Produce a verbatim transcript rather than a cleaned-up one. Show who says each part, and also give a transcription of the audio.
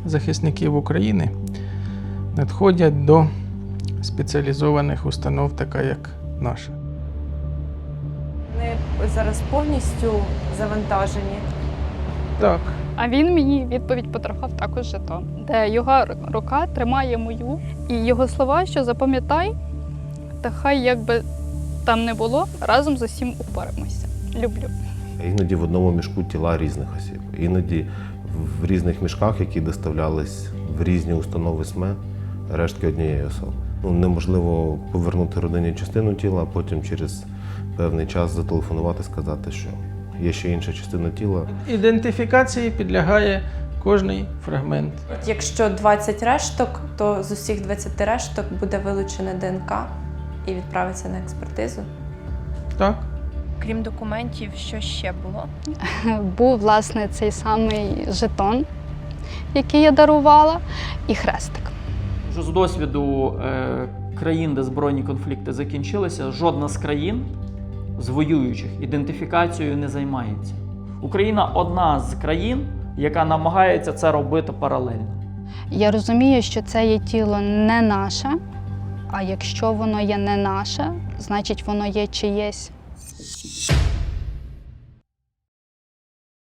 Speaker 1: захисників України надходять до спеціалізованих установ, така як наша.
Speaker 2: Вони зараз повністю завантажені.
Speaker 1: Так.
Speaker 3: А він мені відповідь подарував також жетон, де його рука тримає мою, і його слова, що запам'ятай, та хай як би там не було, разом з усім упораємося. Люблю.
Speaker 4: Іноді в одному мішку тіла різних осіб, іноді в різних мішках, які доставлялись в різні установи СМЕ, рештки однієї особи. Ну, неможливо повернути родині частину тіла, а потім через певний час зателефонувати, сказати, що є ще інша частина тіла.
Speaker 1: Ідентифікації підлягає кожний фрагмент.
Speaker 2: Якщо двадцять решток, то з усіх двадцяти решток буде вилучена ДНК і відправиться на експертизу.
Speaker 1: Так.
Speaker 5: Крім документів, що ще було?
Speaker 3: Був, власне, цей самий жетон, який я дарувала, і хрестик.
Speaker 6: Вже з досвіду е, країн, де збройні конфлікти закінчилися, жодна з країн з воюючих ідентифікацією не займається. Україна одна з країн, яка намагається це робити паралельно.
Speaker 3: Я розумію, що це є тіло не наше, а якщо воно є не наше, значить воно є чиєсь.